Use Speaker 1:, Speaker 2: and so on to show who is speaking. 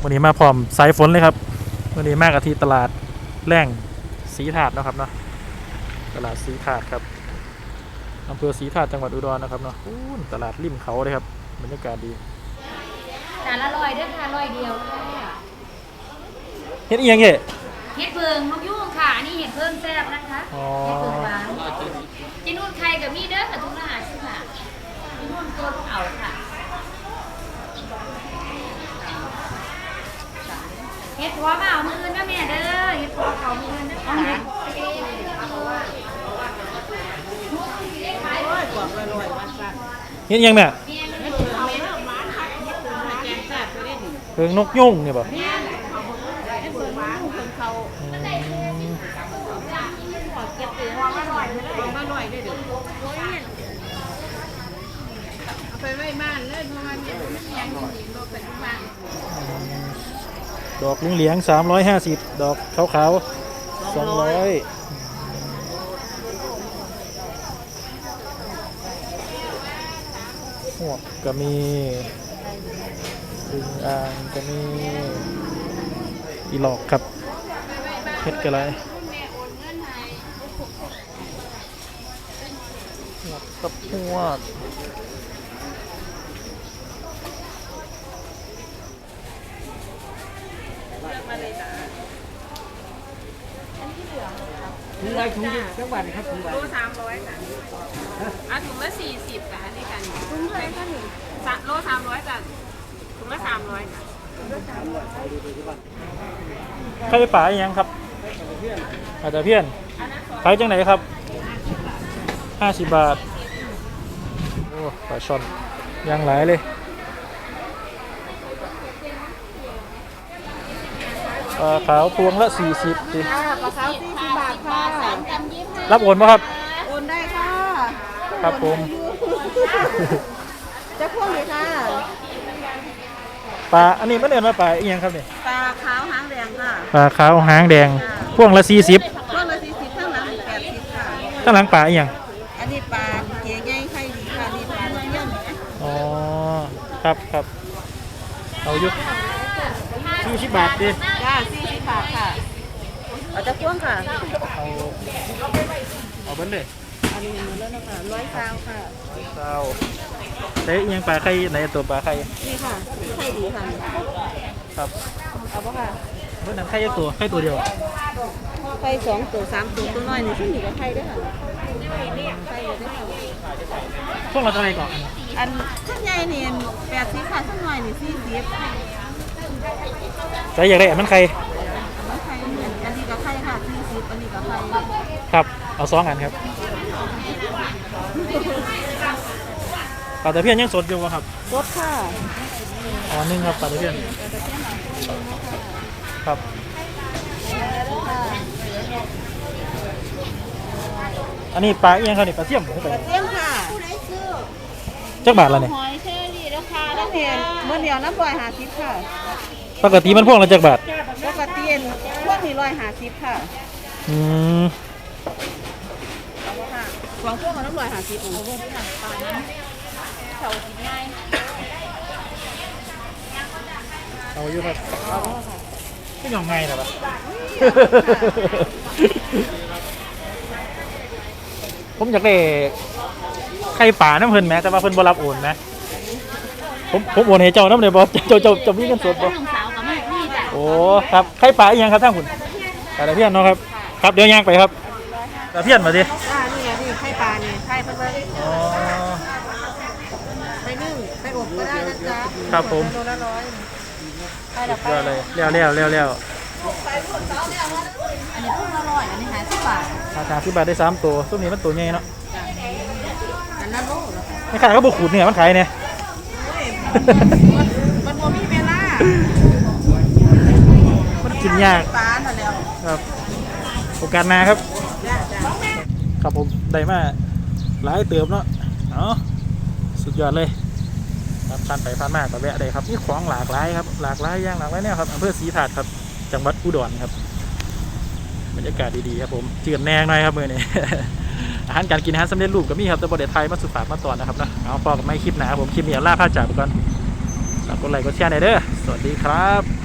Speaker 1: วันนี้มาพร้อมสายฝนเลยครับวันนี้มากกับที่ตลาดแร่งศรีถาดนะครับเนาะตลาดศรีถาดครับอำเภอศรีถาดจังหวัดอุดรนะครับเนาะตลาดริมเขาเลยครับบรรยากาศดี
Speaker 2: จานละ100เด้อค่ะ100เดียวค่ะ
Speaker 1: เฮ็ดอีหยังเงี้ย
Speaker 2: เห็ดเพิงนกยุงค่ะอันนี้เห็ดเพิงแซ่บนะคะเห็ดเพิงหวานจีนุ่นไข่กับมีเด้อค่ะทุกหน้าใช่ค่ะจีนุ่นตัวเอาค่ะเห็ดหัวมาเอามือนะแม่เด้อเห็ดหัวเขามือนะค่ะ
Speaker 1: เฮ็ดอีหยังแม่เพิงนกยุงเนี่ยป่ะ
Speaker 3: ไปไว้บ้านเลยเพราะว่าเนี่ยมันยังมีโลกปัจจุบัน
Speaker 1: ดอกเหลือง350ดอกขาวๆ200หวกก็มีดึงอ่างก็มีอีหลอกครับเฮ็ดกันไรหวกกับหวก
Speaker 3: ถุงไรถุงจังหวัดครับถุงโล300ค่ะถุงละ40ค่ะอันนี้กันถุงเท่าไหร่คะหนึ่งโล300จ้ะถุงละ300ค่ะ
Speaker 1: ไข่ป่าอย่างครับอาจจะเพี้ยนขายจังไหนครับ50 บาทโอ้ปลาช่อนยังหลายเลยปลาขาวพวงละ40ดิ
Speaker 3: ปลาขาว40 บาทค่ะ
Speaker 1: รับโอนป่ะครับ
Speaker 3: โอนได้ค่ะ
Speaker 1: ครับผม
Speaker 3: จะพ่วงเลยค่ะ
Speaker 1: ปลาอันนี้มันเดินมาปลาอีกอย่างครับเนี่ย
Speaker 3: ปลาขาวหางแดงค่ะ
Speaker 1: ปลาขาวหางแดงพวงละ40
Speaker 3: พวงละ40ข้างหลัง80ค่ะ
Speaker 1: ข้างหลังปลาอีกอย่าง
Speaker 3: อันนี้ปลาเก๋ใหญ่ไข่ดีค่ะนี่ปลาเลี้ยง
Speaker 1: อ๋อครับครับเอายุ40 บาทดิ
Speaker 3: จ้า40 บาทค่ะเอาจะพ่วงค่ะ
Speaker 1: เอาเบิ้ลเลย
Speaker 3: อันนี้หมดแล้วนะคะ120ค่ะ
Speaker 1: เต๊ะยังปลาไข่ในตัวปลาไข่
Speaker 3: นี่ค่ะไข่ดีค่ะ
Speaker 1: ครับ
Speaker 3: เอาป่ะค่ะ
Speaker 1: เมื่อนั้นไข่ยักตัวไข่ตัวเดียว
Speaker 3: ไข่2 ตัว 3 ตัวตัวน้อยนี่ซึ่งอยู่กับไข่ด้วยค่ะไข่ด้วยค่ะ
Speaker 1: พวกเราจะอะไรก่อน
Speaker 3: อันข้างใหญ่นี่80ค่ะข้างน้อยนี่40
Speaker 1: ใส่อยากได้มันไข่
Speaker 3: มันไข่เหมือนอันนี้กับไข่ค่ะ40อันนี้กับไข่
Speaker 1: ครับเอา2 อันครับปลาตะเพียนยังสดอยู่ครับ
Speaker 3: สดค่ะ
Speaker 1: อ๋อนึ่งครับปลาตะเพียนครับอันนี้ปลาเอียงครับนี่ปลาเสี่ยม
Speaker 3: ปลาเสี่ยมค่ะ
Speaker 1: จักบาทละเนี่ย
Speaker 3: หอยเชอรี่ราคาน้ำเพียนเมื่อเดียวน้ำ150ค่ะ
Speaker 1: ปกติมันพวงละจักบาท
Speaker 3: ปกติพวกนี้150ค่ะเอาค่ะวางพวกมันน้ำ150องค์พวกที่หนังปลานั้นเขากินง่าย
Speaker 1: เอาอยู่ครับไม่ยอมง่ายหรอปะผมอยากได้ไข่ป่าน้ำเพิ่นแม้แต่ว่าเพิ่นบ่รับโอนนะผมโอนให้เจ้าน้ำเลยบ่เจ้ามีเงินสดบ่โอ้ครับไข่ป่าอีกยังครับท่านคุณตะเพียนเนาะครับครับเดี๋ยวย่างไปครับตะเพียนมาดิ
Speaker 3: นี่ไข่ปลานี่ไข่เพิ่นเลยอ๋อไปนึ่งไปอบก็ได้นะจ๊ะ
Speaker 1: ครับผม
Speaker 3: โลละ100ไข่ละไป
Speaker 1: เลยเร็ว
Speaker 3: อันนี้พวกละ100อันนี้50 บาท
Speaker 1: 50 บาทได้3 ตัวซุ้มนี้มันตัวใหญ่เนาะ
Speaker 3: อันนั้นโล
Speaker 1: ไม่ขายก็บุกขูดเนี่ยมันขายเนี่ย
Speaker 3: มันบ่มีเวลา
Speaker 1: มันกินยาก
Speaker 3: ปลาหน่อยแล้ว
Speaker 1: ครับโอกาสหน้าครับครับผมได้มาหลายเติมเนาะสุดยอดเลยครับผ่านไปผ่านมาก็แวะได้ครับนี่ของหลากหลายครับหลากหลายอย่างหลากหลายแนวครับอำเภอศรีถาดครับจังหวัดอุดรครับบรรยากาศดีๆครับผมเจือนแนงหน่อยครับมือนี้ อาหารการกินอาหารสำเร็จรูปก็มีครับแต่ประเทศไทยมาสุดฝากมาตอนนะครับนะเอาพอกับไม่คลิปหนาผมคลิปนี้ล่าผ้าจากไปก่อนฝากกดไลค์กดแชร์หน่อยเด้อสวัสดีครับ